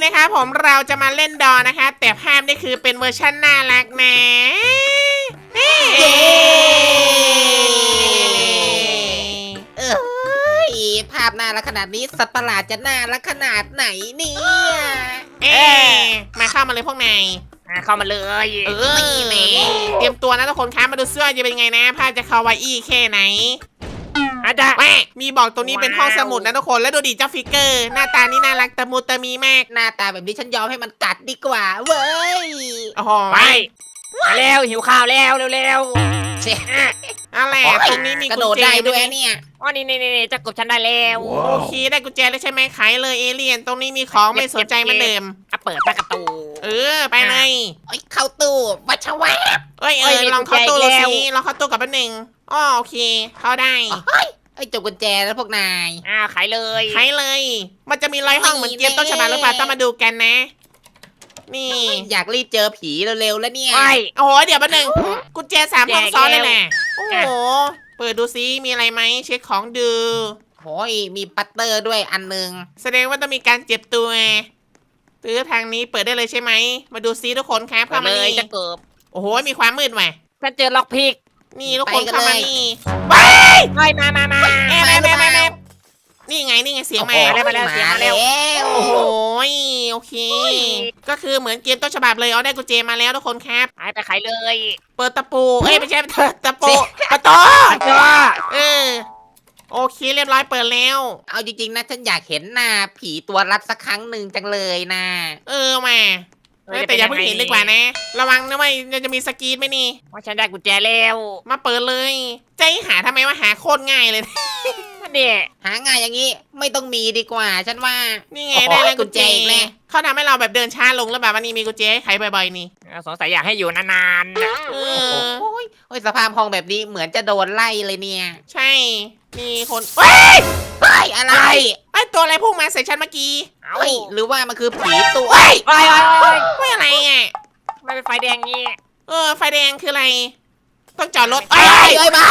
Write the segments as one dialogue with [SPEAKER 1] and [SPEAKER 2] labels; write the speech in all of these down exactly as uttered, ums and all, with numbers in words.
[SPEAKER 1] นะครับผมเราจะมาเล่นดอนะคะแต่ภาพนี่คือเป็นเวอร์ชันน่ารักนะเอ้
[SPEAKER 2] เอ้ยภาพน่ารักขนาดนี้สัตว์ประหลาดจะน่ารักขนาดไหนเนี่ย
[SPEAKER 1] เอ๊มาเข้ามาเลยพวกนาย
[SPEAKER 3] อ่ะเข้ามาเลย
[SPEAKER 1] เออเตรียมตัวนะทุกคนครับมาดูเสื้อจะเป็นยังไงนะภาพจะคาวาอี้แค่ไหน
[SPEAKER 3] อาจจะ
[SPEAKER 1] แม่มีบอกตรงนี้เป็นห้องสมุดนะทุกคนแล้วดูดิเจ้าฟิกเกอร์หน้าตานี่น่ารักตะมูตะมีมาก
[SPEAKER 2] หน้าตาแบบนี้ฉันยอมให้มันกัดดีกว่าเว้ย
[SPEAKER 1] โอ้โห
[SPEAKER 3] ไปมาแล้วหิวข้าวแล้วเร็ว
[SPEAKER 2] เช่
[SPEAKER 3] ๆอ่ะ
[SPEAKER 1] อะไรตรงนี้มี
[SPEAKER 2] กระ
[SPEAKER 1] กุ
[SPEAKER 2] โด
[SPEAKER 1] ญ
[SPEAKER 2] ด
[SPEAKER 1] แจ
[SPEAKER 2] ได้
[SPEAKER 1] ด้
[SPEAKER 2] ด้
[SPEAKER 1] ว
[SPEAKER 2] วย ยเนี่ย
[SPEAKER 3] อ๋อนี่นี่นี่จะกบฉันได้แล้ว
[SPEAKER 1] โอเคได้กุญแจแล้วใช่ไหมขายเลยเอเลี่ยนตรงนี้มีของไม่สนใจเหมันเดิม
[SPEAKER 3] อ่ะเปิดประตู
[SPEAKER 1] เออไปเลย
[SPEAKER 2] เอ้ยเข้าตู้วัชวะ
[SPEAKER 1] เอ้ยเอ
[SPEAKER 3] เอ้
[SPEAKER 1] อย
[SPEAKER 3] มี
[SPEAKER 1] ลองเข้าตู้
[SPEAKER 3] กุญแจอีกแล้ว
[SPEAKER 1] สิลองเข้าตู้กับป้าหนึ่งอ๋อโอเค เข้าได้
[SPEAKER 2] เฮ้ยไอ้ยจบกุญแจแล้วพวกนาย
[SPEAKER 3] อ้าวขายเลย
[SPEAKER 1] ใช้เลย มันจะมีร้อยห้องเหมือนเกมต้นฉบับหรือเปล่าต้องมาดูกันนะ นี่
[SPEAKER 2] อยากรีบเจอผีเร็วๆแล้วเนี่ย
[SPEAKER 3] ไป
[SPEAKER 1] โอ้โหเดี๋ยวป้าหนึ่งกุญแจสามห้องซ้อนเลยแหละโอ้
[SPEAKER 3] แจก
[SPEAKER 1] โหเปิดดูซิมีอะไรไหมเช็คของดู
[SPEAKER 2] โอ้ยมีปัตเตอร์ด้วยอันหนึง
[SPEAKER 1] แสดงว่าต้องมีการเจ็บตัวตื้อทางนี้เปิดได้เลยใช่ไหมมาดูซิทุกคนครับ
[SPEAKER 3] ไป
[SPEAKER 1] เข้ามา
[SPEAKER 3] เลย
[SPEAKER 1] นี่
[SPEAKER 3] จะเกิบ
[SPEAKER 1] โอ้โหมีความมืดว่ะ
[SPEAKER 3] ฉันเจอล็อกพิก
[SPEAKER 1] นี่ทุกคนเข้ามานี่
[SPEAKER 3] เฮ้ยมามามา
[SPEAKER 1] แอบแอบแอบแอบแอบนี่ไงนี่ไงเสียงมา
[SPEAKER 3] มาแล้วมาแล้วเสียงมาแล้ว
[SPEAKER 1] โอ้โหโอเค ก็คือเหมือนเกมต้นฉบับเลยเอาได้กุญแจมาแล้วทุกคนครับ
[SPEAKER 3] หายไปขายเลย
[SPEAKER 1] เปิดตะปูเอ้ยไม่ใช่เปิดตะปูประตู
[SPEAKER 3] เจอ
[SPEAKER 1] เออโอเคเรียบร้อยเปิดแล้ว
[SPEAKER 2] เอาจริงๆนะฉันอยากเห็นหน้าผีตัวรับสักครั้งหนึ่งจังเลยนะ
[SPEAKER 1] เออมาเออแต่อย่าเพิ่งเห็นดีกว่านะ ระวังนะว่าจะมีสกรีนไหมนี่
[SPEAKER 3] ว่าฉันได้กุญแจแล้ว
[SPEAKER 1] มาเปิดเลยใจหาทำไมว่าหาโคตรง่ายเลย
[SPEAKER 3] เนี่ย
[SPEAKER 2] หาง่ายอย่างนี้ไม่ต้องมีดีกว่า ฉันว่า
[SPEAKER 1] นี่ไง
[SPEAKER 2] โอ้โห
[SPEAKER 1] ได้แล้วกุญแจ
[SPEAKER 2] กุญแจอีกแล้ว
[SPEAKER 1] เขาทำให้เราแบบเดินช้าลงแล้วแบบว่านี่มีกุญแจให้ไขบ่อยๆนี่
[SPEAKER 3] สงสัยอยากให้อยู่นาน
[SPEAKER 1] เอ
[SPEAKER 2] โอ้
[SPEAKER 1] อ
[SPEAKER 2] ยโอ้ยสภาพห้องแบบนี้เหมือนจะโดนไล่เลยเนี่ย
[SPEAKER 1] ใช่ มีคนเฮ้ย
[SPEAKER 2] เฮ้ยอะไร
[SPEAKER 1] ไอตัวอะไรพุ่งมาใส่ฉันเมื่อกี้
[SPEAKER 3] ๆเอ้า
[SPEAKER 2] เฮ้ยหรือว่ามันคือผีตัว
[SPEAKER 1] เฮ้ย
[SPEAKER 3] ไปไป
[SPEAKER 1] ไม่อะไรอ่ะ
[SPEAKER 3] ไม่เป็นไฟแดงงี้
[SPEAKER 1] เออไฟแดงคืออะไร ต้องจอดรถ
[SPEAKER 2] เฮ้
[SPEAKER 1] เอ้
[SPEAKER 2] ย
[SPEAKER 1] ย
[SPEAKER 2] เอ้ยมา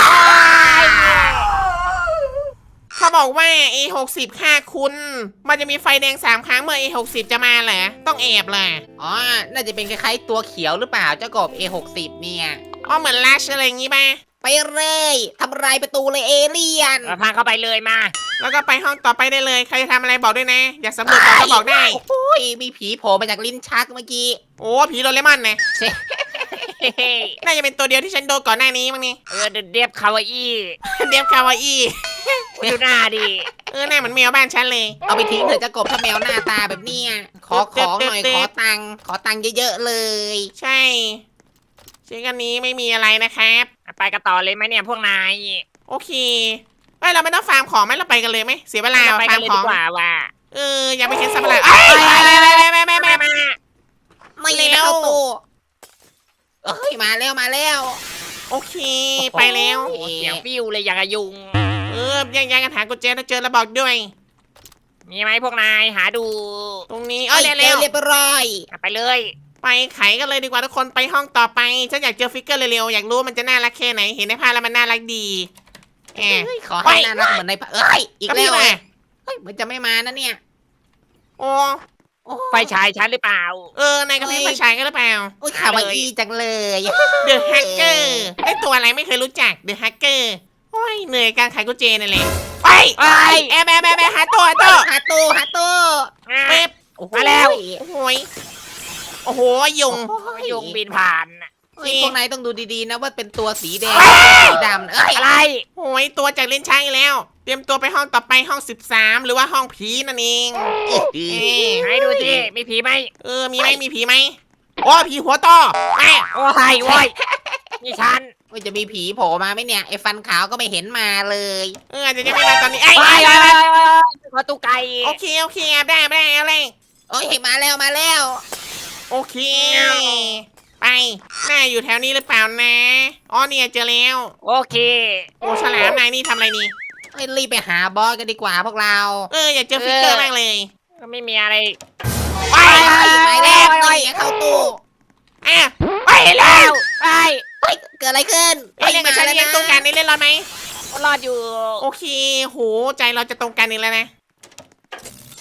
[SPEAKER 1] เขาบอกว่า เอ หกสิบ ค่าคุณ มันจะมีไฟแดงสามครั้งเมื่อ เอ หกสิบ จะมาเหรอต้องแอบล่ะ
[SPEAKER 2] อ๋อน่าจะเป็นคล้ายๆตัวเขียวหรือเปล่าเจ้ากบ เอ หกสิบ เนี่ย
[SPEAKER 1] อ๋อเหมือนลัชอะไรอย่างงี้ป่ะ
[SPEAKER 2] ไปเลยทำลายประตูเลยเอเลี่ยน
[SPEAKER 3] เราพาเข้าไปเลยมา
[SPEAKER 1] แล้วก็ไปห้องต่อไปได้เลยใครจะทำอะไรบอกด้วยนะ อยากสำรวจก่อนก็บอกได้
[SPEAKER 2] โอ้ยมีผีโผล่มาจากลิ้นชักเมื่อกี้
[SPEAKER 1] โอ้ผีโดเรมอนนะ
[SPEAKER 3] เฮ้ย
[SPEAKER 1] น่าจะเป็นตัวเดียวที่ฉันโดนก่อนหน้านี้มั้งนี่
[SPEAKER 3] เออเดียบคาวาอี้
[SPEAKER 1] เดฟคาวาอี้
[SPEAKER 3] ดูหน้าดิ
[SPEAKER 1] เออหน้าเหมือนแมวบ้านฉันเลย
[SPEAKER 2] เอาไปทิ้งเถอะเจ้ากบถ้าแมวหน้าตาแบบเนี้ยขอของหน่อยขอตังค์ขอตังค์เยอะๆเลย
[SPEAKER 1] ใช่ชิ้นกันนี้ไม่มีอะไรนะครับ
[SPEAKER 3] ไปกันต่อเลยไหมเนี่ยพวกนาย
[SPEAKER 1] โอเคเอ้ยเราไม่ต้องฟาร์มของไหมเราไปกันเลยไหมเสียเวลา
[SPEAKER 3] เราไป
[SPEAKER 1] ฟา
[SPEAKER 3] กั
[SPEAKER 1] ร์
[SPEAKER 3] น
[SPEAKER 1] ม
[SPEAKER 3] เลย
[SPEAKER 1] ข
[SPEAKER 3] ดี
[SPEAKER 1] อง
[SPEAKER 3] กว่าว่ะ
[SPEAKER 1] เอออย่าไปเห็นสัตว์ประหลาดเอ้ยไปไปไปไปไปไป
[SPEAKER 3] มา
[SPEAKER 2] ไม่ได้เข้าตู้เอ้ยมาแล้วมาแล้ว
[SPEAKER 1] โอเคไปแล้ว
[SPEAKER 3] โอ้เสียงฟิวเลยอย่างกับยุง
[SPEAKER 1] เออแย่งๆกันหากุญแจถ้าเจอแล้วบอกด้วย
[SPEAKER 3] มีไหมพวกนายหาดู
[SPEAKER 1] ตรงนี้เอ
[SPEAKER 2] เอ้
[SPEAKER 1] อย เร็ว
[SPEAKER 2] เรียบร้อย
[SPEAKER 3] ไปเลย
[SPEAKER 1] ๆไปไขกันเลยดีกว่าทุกคนไปห้องต่อไปฉันอยากเจอฟิกเกอร์เร็วๆอยากรู้ว่ามันจะน่ารักแค่ไหนเห็นในภาพแล้วมันน่ารักดีแอบ
[SPEAKER 2] เฮ้ยขอให้น่ารักเหมือนในเอ้ยอีก
[SPEAKER 1] ก็
[SPEAKER 2] แล้
[SPEAKER 1] พี่
[SPEAKER 2] ว
[SPEAKER 1] มา
[SPEAKER 2] เฮ้ยเหมือนจะไม่มานะเนี่ย
[SPEAKER 1] โอ้
[SPEAKER 2] โอ้
[SPEAKER 3] ไฟฉายฉันหรือเปล่า
[SPEAKER 1] เออนายกับพี่มาฉายกันหรือเปล่า
[SPEAKER 2] โอ้ยขาวาอีจังเลย
[SPEAKER 1] เดอะแฮกเกอร์ไอตัวอะไรไม่เคยรู้จักเดอะแฮกเกอร์โอ้ยเหนื่อยการขายกุญแจนั่นแหละไป
[SPEAKER 3] ไป
[SPEAKER 1] แอบแอบแอบแอบหาตัวหาตัว
[SPEAKER 2] หาตู้หาตู้
[SPEAKER 1] เป๊บ
[SPEAKER 2] โอ้โห
[SPEAKER 3] มาแล้ว
[SPEAKER 1] โอ้โหยโอ้โหยุง
[SPEAKER 3] ยุงบินผ่าน
[SPEAKER 2] เฮ้ยพวกนายต้องดูดีๆนะว่าเป็นตัวสีแดง
[SPEAKER 1] เฮ้ย
[SPEAKER 2] สีดำเอ้ย
[SPEAKER 3] อะไร
[SPEAKER 1] โอ้ยตัวจากเล่นช้างอีกแล้ว เตรียมตัวไปห้องต่อไปห้องสิบสามหรือว่าห้องผีนั่นเองเอ๊ะ
[SPEAKER 3] ไหนดูสิมีผีไหม
[SPEAKER 1] เออมีไหมมีผีไหมโอ้ผีหัวต่อแม่
[SPEAKER 3] โอ้ยโว้ยนี่ฉัน
[SPEAKER 2] ว่าจะมีผีโผล่มาไหมเนี่ยไอ้ฟันขาวก็ไม่เห็นมาเลย
[SPEAKER 1] เอออาจจะยังไม่มาตอนนี้ไอ้ย
[SPEAKER 3] ไป
[SPEAKER 1] ไอ้
[SPEAKER 3] ไป
[SPEAKER 1] ไอ้
[SPEAKER 3] ไป
[SPEAKER 1] ไอ้
[SPEAKER 3] ไปประตูไก่
[SPEAKER 1] โอเคโอเคแอบได้แอบได้แอบได้
[SPEAKER 2] โอ้ยมาแล้วมาแล้ว
[SPEAKER 1] โอเค ไปน่าอยู่แถวนี้หรือเปล่านะอ๋อเนี่ยเจอแล้ว
[SPEAKER 3] โอเค
[SPEAKER 1] โอ้ฉลามนายนี่ทำอะไรนี่
[SPEAKER 2] เอ้ยรีบไปหาบอสกันดีกว่าพวกเรา
[SPEAKER 1] เอออยากเจอฟิกเกอร์มากเลย
[SPEAKER 3] ก็ไม่มีอะไร
[SPEAKER 1] ไป
[SPEAKER 2] ไปไปแล้ว
[SPEAKER 3] ไป
[SPEAKER 2] นี่เข้าตู้
[SPEAKER 1] อ่ะไปแล้ว
[SPEAKER 3] ไป
[SPEAKER 2] เฮ้ยเกิดอะไรขึ้น
[SPEAKER 1] ไอ้เล่นกับฉันเล่นตรงกันนี่เล่นรอดไหม
[SPEAKER 3] รอดอยู่
[SPEAKER 1] โอเคโหใจเราจะตรงกันอีกแล้วนะ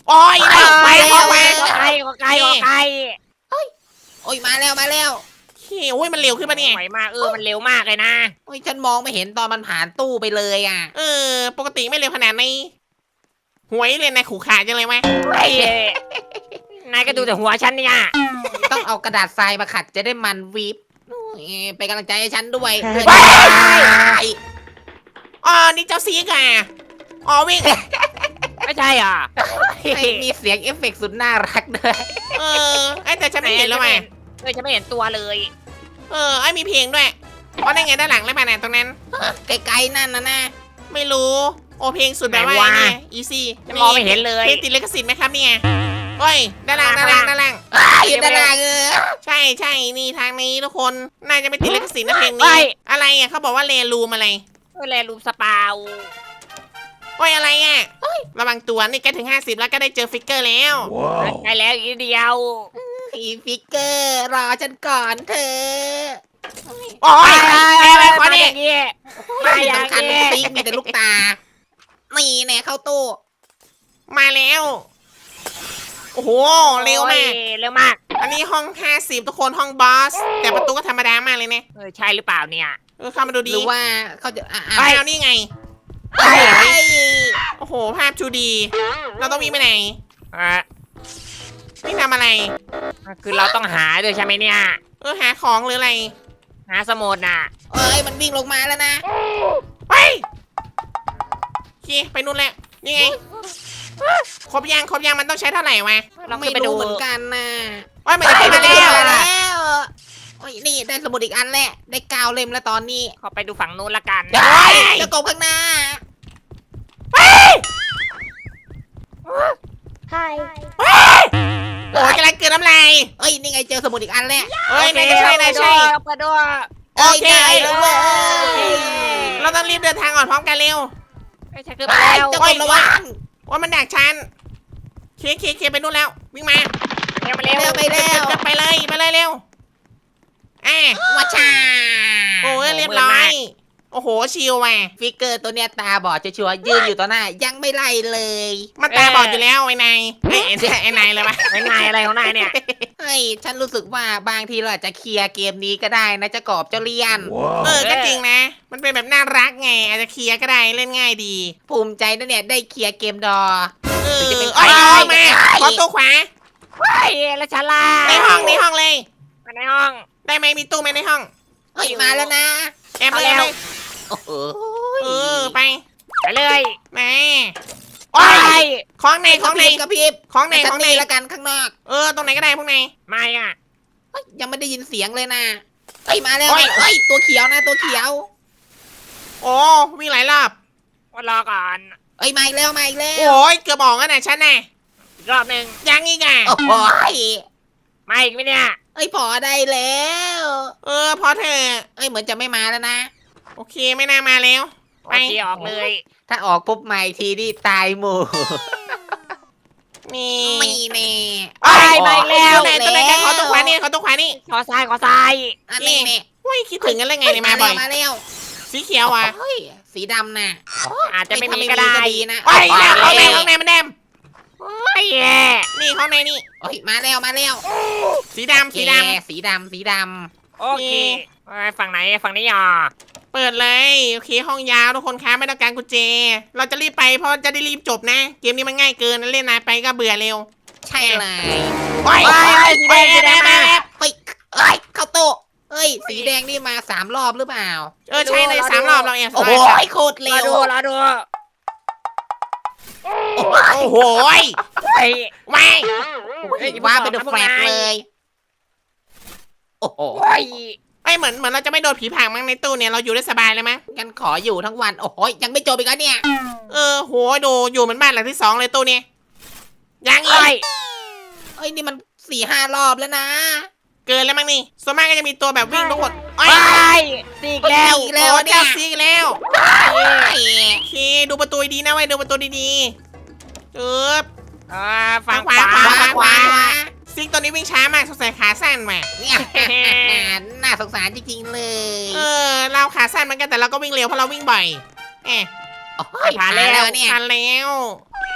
[SPEAKER 1] โอ้ยได้ไป
[SPEAKER 2] แล้
[SPEAKER 1] เข้าว ไป
[SPEAKER 3] ขอไก่ขอไก่ขอไก่
[SPEAKER 2] โอ้ยมาแล้วมาแล้ว
[SPEAKER 1] โอ้ยมันเร็วขึ้นมาเนี่ย
[SPEAKER 3] ไหวมากเออมันเร็วมากเลยนะ
[SPEAKER 2] โอ้ยฉันมองไม่เห็นตอนมันผ่านตู้ไปเลยอ่ะ
[SPEAKER 1] เออ ปกติไม่เร็วขนาดนี้หวยเลยนายขู่ขาจังเลยไหม
[SPEAKER 3] ไอ้นายก็ดูแต่หัวฉันเนี่ย
[SPEAKER 2] ต้องเอากระดาษทรายมาขัดจะได้มันวิบโอ้ยเป็นกำลังใจให้ฉันด้วย
[SPEAKER 1] อ๋อนี่เจ้าซีกอ่ะอ๋อวิ่ง
[SPEAKER 3] ไม่ใช่อ่ะ
[SPEAKER 2] ให้มีเสียงเอฟเฟกต์สุดน่ารักด้วย
[SPEAKER 1] เออไอ้แต่ฉันไม่เห็นแล้วไง
[SPEAKER 3] เออฉันไม่เห็นตัวเลย
[SPEAKER 1] เออไอ้มีเพลงด้วยอ๋อได้ไงด้านหลังแล้วมาไหนตรงนั้น
[SPEAKER 2] ไกลๆนั่นนะนะ
[SPEAKER 1] ไม่รู้ โอเพลงสุดแบบว่าเนี่ยอีซี่
[SPEAKER 3] ฉันมองไม่เห็นเลย
[SPEAKER 1] เพลงติดลิขสิทธิ์ไหมครับเนี่ยโอ้ยด้านล่างด้านล่างด้านล่าง
[SPEAKER 2] อยู่ด้านล่างเออ
[SPEAKER 1] ใช่ใช่นี่ทางนี้ทุกคนน่าจะไม่ติดลิขสิทธิ์นะเพลง
[SPEAKER 3] เฮ้
[SPEAKER 1] นี้
[SPEAKER 3] ย
[SPEAKER 1] อะไรอ่ะเขาบอกว่าเลรูมอะไร
[SPEAKER 3] เออแลรูมสปาว
[SPEAKER 1] โอ้ยอะไรอ่ะระวังตัวนี่ใกล้ถึงห้าสิบแล้วก็ได้เจอฟิกเกอร์แล้ว
[SPEAKER 3] ใกล้แล้วอีกนิดเดียว
[SPEAKER 2] อีฟิกเกอร์รอฉันก่อนเธอ
[SPEAKER 1] โอ้ยอะไรอะไรขอ
[SPEAKER 3] มา
[SPEAKER 1] นี่
[SPEAKER 3] อย่างงี้มาอย่าง
[SPEAKER 2] สำคัญ
[SPEAKER 3] งี้
[SPEAKER 2] ฟิกมีแต่ลูกตานี่แน่เข้าตู้
[SPEAKER 1] มาแล้วโอ้โหเร็วมาก
[SPEAKER 3] โอ้ยเร็วมาก
[SPEAKER 1] อันนี้ห้องห้าสิบทุกคนห้องบอสแต่ประตูก็ธรรมดามากเลยเนี่ย
[SPEAKER 3] เออใช่หรือเปล่าเนี่ย
[SPEAKER 1] เออเข้ามาดู
[SPEAKER 2] ห
[SPEAKER 1] ดี
[SPEAKER 2] รือว่าเขาจะอ่ะอ่ะ
[SPEAKER 1] อ้าวนี่ไง
[SPEAKER 2] เฮ้ย
[SPEAKER 1] โอ้โหภาพชูดี เราต้องวิ่งไปไหน
[SPEAKER 3] อ่ะ
[SPEAKER 1] วิ่งทำอะไร
[SPEAKER 3] คือเราต้องหาด้วยใช่ไหมเนี่ย
[SPEAKER 1] เออหาของหรืออะไร
[SPEAKER 3] หาสมุดน่ะ
[SPEAKER 2] เอ้ยมันวิ่งลงมาแล้วนะ
[SPEAKER 1] ไปโอเคไปนู่นแล้วนี่ไงครบยังครบยังมันต้องใช้เท่าไหร่วะ
[SPEAKER 3] ลอง
[SPEAKER 2] ไม่
[SPEAKER 3] ขึ้นไปดู
[SPEAKER 2] รู้เหมือนกันนะ
[SPEAKER 1] ว่ามันจะขึ้นมาแล้ว
[SPEAKER 2] มาแล้วโอ้ยนี่ได้สมุดอีกอันแหละได้กาวเล่มแล้วตอนนี้
[SPEAKER 3] ขอไปดูฝั่งนู้นละกัน
[SPEAKER 2] เฮ้ยเจะกบข้างหน้า
[SPEAKER 1] โอ้ยกำลังเกินน้ำลาย
[SPEAKER 2] เอ้ยนี่ไงเจอสมุดอีกอันแล้ว
[SPEAKER 1] เอ้ยนายใช่นายใช่
[SPEAKER 3] เปิดด้วย
[SPEAKER 1] โอเค
[SPEAKER 2] ได้แล้วเว้ย
[SPEAKER 1] เราต้องรีบเดินทางก่อนพร้อมกันเร็ว
[SPEAKER 3] ไม่ใช่คือ
[SPEAKER 2] ไป
[SPEAKER 3] ไปแล้ว
[SPEAKER 2] เจ้ากบระวัง
[SPEAKER 1] ว่ามันดักฉันเคเคเคไปนู่นแล้ววิ่งมา
[SPEAKER 3] เร็วไปเร็ว
[SPEAKER 2] เร็วไปเร็ว
[SPEAKER 1] ไปเลยไปเลยเร็วอ่ะ
[SPEAKER 2] วัชชา
[SPEAKER 1] โอ้ยเรียบร้อย โอ้โหชิลว่ะ
[SPEAKER 2] ฟิกเกอร์ตัวเนี้ยตาบอดชัวร์ๆยืนอยู่ต่อหน้ายังไม่ไล่เลย
[SPEAKER 1] มันตาบอดอยู่แล้วไอ้นายไอ้ไอ้ไอ้นายเลยวะ
[SPEAKER 3] ไม่นายอะไรของนายเนี่ย
[SPEAKER 2] เฮ้ยฉันรู้สึกว่าบางทีเราอาจจะเคลียร์เกมนี้ก็ได้นะเจะกอบเจ้าเลียน
[SPEAKER 1] เออก็จริงนะ มันเป็นแบบน่ารักไงอาจจะเคลียร์ก็ได้เล่นง่ายดี
[SPEAKER 2] ภูมิใจนะเนี่ยได้เคลียร์เกมดอ
[SPEAKER 1] เออ
[SPEAKER 2] จะเป็น
[SPEAKER 1] เอ้ย
[SPEAKER 2] ใคร
[SPEAKER 1] เอามาขอตัวขวา
[SPEAKER 3] เฮ้ยแล้วฉันล่ะ
[SPEAKER 1] ในห้องในห้องเลย
[SPEAKER 3] มาในห้อง
[SPEAKER 1] ได้ไหมมีตู้ไหมในห้อง
[SPEAKER 2] เฮ้ยมาแล้วนะ
[SPEAKER 1] แอบเลยแอบเลย
[SPEAKER 2] โอ้โห
[SPEAKER 1] เออไป
[SPEAKER 3] ไปเลย
[SPEAKER 1] แหม่
[SPEAKER 3] โอ้
[SPEAKER 1] โอ้
[SPEAKER 3] ย
[SPEAKER 1] ยของในของใน
[SPEAKER 2] กระพริบ
[SPEAKER 1] ของใน
[SPEAKER 2] ใน
[SPEAKER 1] ข
[SPEAKER 2] ข
[SPEAKER 1] อ
[SPEAKER 2] อง ง
[SPEAKER 1] ใน
[SPEAKER 2] ในละกันข้างนอก
[SPEAKER 1] เออตรงไหนก็ได้พวกนาย
[SPEAKER 3] ไม่อ่ะ
[SPEAKER 2] เฮ้ยยังไม่ได้ยินเสียงเลยนะเฮ้ยมาแล้ว
[SPEAKER 1] โอ้ย
[SPEAKER 2] เฮ้ยตัวเขียวนะตัวเขียว
[SPEAKER 1] โอ้วิ่งหลายรอบ
[SPEAKER 3] ว่ารอก่อน
[SPEAKER 2] เฮ้ยมาอีกแล้วมาอีกแล้ว
[SPEAKER 1] โอ้ยเกือบออกแล้วนะฉันน่ะ
[SPEAKER 3] อีกรอบหนึ่ง
[SPEAKER 1] ยังอีกอ่ะ
[SPEAKER 2] โอ้โหย
[SPEAKER 3] มาอีกไหมเนี่ย
[SPEAKER 2] เฮ้ยพอได้แล้ว
[SPEAKER 1] เออพอเธอะ
[SPEAKER 2] เอ้ยเหมือนจะไม่มาแล้วนะ
[SPEAKER 1] โอเคไม่น่ามาแล้ว
[SPEAKER 3] โอ
[SPEAKER 1] ไป
[SPEAKER 3] เคออกเลย
[SPEAKER 2] ถ้าออกปุ๊บใหม่ทีนี่ตายหมู่
[SPEAKER 1] นี่
[SPEAKER 2] ไม่แน่
[SPEAKER 1] เอ้ย
[SPEAKER 2] ออก
[SPEAKER 1] ตัวไหน
[SPEAKER 2] แล้ว
[SPEAKER 1] ตัวไหนกันขอตัวขวานี่ขอตัวขวานี่
[SPEAKER 3] ขอซ้ายขอซ้าย
[SPEAKER 2] อันนี้เนี่ย
[SPEAKER 1] อุ้ยคิดถึงกันเลยไงเนี่ยมาบ่อย
[SPEAKER 2] มาแล้ว
[SPEAKER 1] สีเขียวอ่ะ
[SPEAKER 2] เฮ้ยสีดำน่ะ
[SPEAKER 3] อาจจะไม่มี
[SPEAKER 2] ถ้า
[SPEAKER 3] ก็ได้
[SPEAKER 2] นะ
[SPEAKER 1] โอ้ย
[SPEAKER 3] ไป
[SPEAKER 1] แล้วข้างใน
[SPEAKER 3] เลย
[SPEAKER 1] ข้างในมันแดม
[SPEAKER 3] โอ้ยแย่
[SPEAKER 1] นี่ข้างในนี่
[SPEAKER 2] เฮ้ยมาแล้วมาแล้ว
[SPEAKER 1] สีดำสีด
[SPEAKER 2] แกสีดำสีด
[SPEAKER 3] โอเคเอ้ยฝั่งไหนฝั่งนี้อ่ะ
[SPEAKER 1] ำเปิดเลยโอเคห้องยาวทุกคนคะไม่ต้องการกุญแจ เราจะรีบไปเพราะจะได้รีบจบนะ เกมนี้มันง่ายเกินเล่นนานไปก็เบื่อเร็ว
[SPEAKER 2] ำใช่เลย
[SPEAKER 1] โอ้ย
[SPEAKER 3] โอ้ยสีแดงสีแดงมา
[SPEAKER 2] เฮ้ยเอ้ยเข้าโต๊ะเฮ้ยสีแดงนี่มาสามรอบหรือเปล่า
[SPEAKER 1] เออใช่เลยสามรอบเราแอบ
[SPEAKER 2] โอ้โห
[SPEAKER 1] สาย
[SPEAKER 2] โคตร
[SPEAKER 3] ร
[SPEAKER 2] เร็
[SPEAKER 3] อ
[SPEAKER 2] ว
[SPEAKER 3] ดูรอดู
[SPEAKER 2] โอ้โห
[SPEAKER 1] โอ้โหย
[SPEAKER 3] เฮ้ย
[SPEAKER 1] ไม่
[SPEAKER 3] เฮ้ย
[SPEAKER 2] ว่าเป็นแฟลชเลยโอ้โห
[SPEAKER 3] โอ้ย
[SPEAKER 1] ไอยเหมือนเหมือนเราจะไม่โดนผีผางมั้งในตู้เนี่ยเราอยู่ได้สบายเลยมั้ง
[SPEAKER 2] งั้นขออยู่ทั้งวันโอ้โหยังไม่จบอีกแล้วเนี่ย
[SPEAKER 1] เออโหดูอยู่เหมือนบ้านหลังที่สองเลยตู้เนี่ยยังอี
[SPEAKER 3] โอ้ย
[SPEAKER 1] ก
[SPEAKER 2] เอ้ยนี่มันสี่ห้ารอบแล้วนะ
[SPEAKER 1] เกินแล้วมั้งนี่ส่วนมากก็จะมีตัวแบบวิ่งทุกคนโอ้
[SPEAKER 3] โอ้
[SPEAKER 1] ย
[SPEAKER 3] ยสีอีกแล้ว
[SPEAKER 2] อีกแล้ว
[SPEAKER 1] โอ้
[SPEAKER 2] เนี่
[SPEAKER 1] เจ้าย ซีกแล้ว
[SPEAKER 2] เฮ้ย
[SPEAKER 1] โอเคดูประตูดีนะไว้ยดูประตูดีๆเออ
[SPEAKER 3] อ่าฝั่ง
[SPEAKER 1] ขวา
[SPEAKER 3] ขวา
[SPEAKER 1] ขวา
[SPEAKER 2] ขวาขวา
[SPEAKER 1] ซิกตัวนี้วิ่งช้ามากสงสัยขาสั้นว่ะ
[SPEAKER 2] เนี่ยน่าสงสารจริงๆเลย
[SPEAKER 1] เออเราขาสั้นเหมือนกันแต่เราก็วิ่งเร็วเพราะเราวิ่งบ่อยเอ๊ะ
[SPEAKER 2] โอ้ยผ่านแล้วเนี่ย
[SPEAKER 1] ทันแล้ว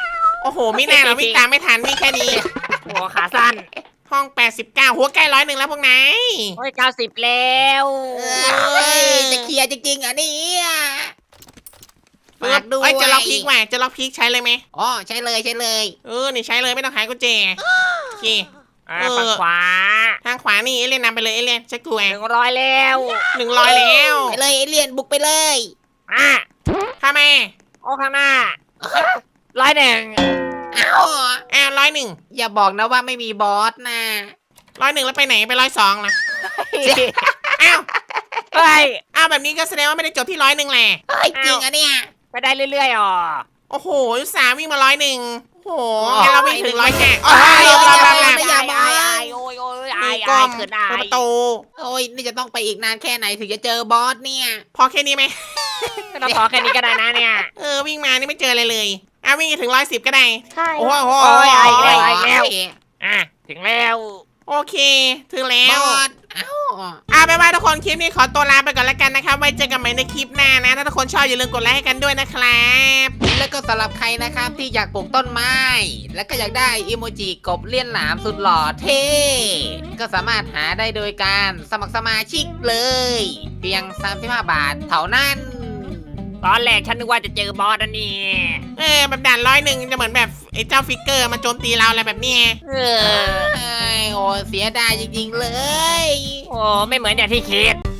[SPEAKER 1] โอ้โหไม่น่าเราวิ่งตามไม่ทันวิ่งแค่นี้
[SPEAKER 3] โอ้ขาสั้น
[SPEAKER 1] ห้องแปดสิบเก้าหัวใกล้ร้อยหนึ่งแล้วพวกนาย
[SPEAKER 3] โอ้ยเก้าสิบแล้ว
[SPEAKER 2] เอ้ยจะเคลียร์จริงๆอ่ะเนี่ยฝากด้วย
[SPEAKER 1] เอ้ยจะล็อกพีกว่ะจะล็อกพีกใช้เลยไหม
[SPEAKER 2] อ๋อใช่เลยใช่เลย
[SPEAKER 1] เออนี่ใช้เลยไม่ต้องขายกุญแจโอเค
[SPEAKER 3] อ่า
[SPEAKER 1] เออ
[SPEAKER 3] ฝั่งขวา
[SPEAKER 1] ทางขวานี่เอเลียนนำไปเลยเอเลียนใช้กู
[SPEAKER 3] ห
[SPEAKER 1] แหว
[SPEAKER 3] นึ่งร้อยแล้ว
[SPEAKER 1] หนึ่งร้อยแล้ว
[SPEAKER 2] ไปเลยเอเลี่ยนบุกไปเลย
[SPEAKER 3] อ่ะ
[SPEAKER 1] ข้าแม่
[SPEAKER 3] โอ้ข้างหน้าร้อยหนึ่ง
[SPEAKER 2] เอ้า
[SPEAKER 1] อ้าวร้อยหนึ่ง
[SPEAKER 2] อย่าบอกนะว่าไม่มีบอสนะ
[SPEAKER 1] ร้อยหนึ่งแล้วไปไหนไปร้อยสองล่ะอ้าว
[SPEAKER 3] เฮ้ย
[SPEAKER 1] อ้าวแบบนี้ก็แสดงว่าไม่ได้จบที่ร้อยหนึ่งแหละ
[SPEAKER 2] เฮ้ยจริงอ่ะเนี่ย
[SPEAKER 3] ไปได้เรื่อยๆอ๋อ
[SPEAKER 1] โอ้โหอุตส่าห์วิ่งมาร้อยหนึ่งโอ้โห
[SPEAKER 2] โอ้
[SPEAKER 1] งั้นเราวิ่งถึงร้อยแค่โอ้
[SPEAKER 2] โอ้
[SPEAKER 1] ย
[SPEAKER 2] ย
[SPEAKER 1] บลาบลาบลา
[SPEAKER 2] ไม่อยากมา
[SPEAKER 3] โอ้ยโอ้ย
[SPEAKER 1] มื
[SPEAKER 3] ไอ้
[SPEAKER 1] อ
[SPEAKER 3] ไอ้
[SPEAKER 1] ก้ม
[SPEAKER 3] เขินได้
[SPEAKER 1] เปิดประตู
[SPEAKER 2] โอ้ยนี่จะต้องไปอีกนานแค่ไหนถึงจะเจอบอสเนี่ย
[SPEAKER 1] พอแค่นี้ไหม
[SPEAKER 3] ก็ต้องขอแค่นี้ก็ได้นะเนี่ย
[SPEAKER 1] เออวิ่งมานี่ไม่เจออะไรเลยอ่ะวิ่งถึงร้อยสิบก็ได้
[SPEAKER 3] ใช่
[SPEAKER 1] โอ้โห
[SPEAKER 3] โอ้ยไอ้ไอ้
[SPEAKER 2] โอ้ย
[SPEAKER 3] แล้ว อ่ะถึงแล้ว
[SPEAKER 1] โอเค ถึงแล้
[SPEAKER 2] บ
[SPEAKER 1] ว
[SPEAKER 2] อสเอ้า
[SPEAKER 1] อ่ะไปว่าทุกคนคลิปนี้ขอตัวลาไปก่อนแล้วกันนะครับ ไว้เจอกันใหม่ในคลิปหน้านะ ถ้าทุกคนชอบอย่าลืมกดไลค์ให้กันด้วยนะครับ
[SPEAKER 2] แล้วก็สำหรับใครนะครับที่อยากปลูกต้นไม้ แล้วก็อยากได้อิโมจิกบเลี่ยนหลามสุดหล่อเท่ ก็สามารถหาได้โดยการสมัครสมาชิกเลย เพียงสามสิบห้าบาทเท่านั้น
[SPEAKER 3] ตอนแรกฉันนึกว่าจะเจอบอสอันนี้
[SPEAKER 1] เออแบบด่านร้อยหนึ่งจะเหมือนแบบไอ้เจ้าฟิกเกอร์มาโจมตีเราอะไรแบบเนี้ย
[SPEAKER 3] เออ
[SPEAKER 2] เอ้ยโอ้เสียดายจริงๆเลย
[SPEAKER 3] โอ้ไม่เหมือนอย่างที่คิด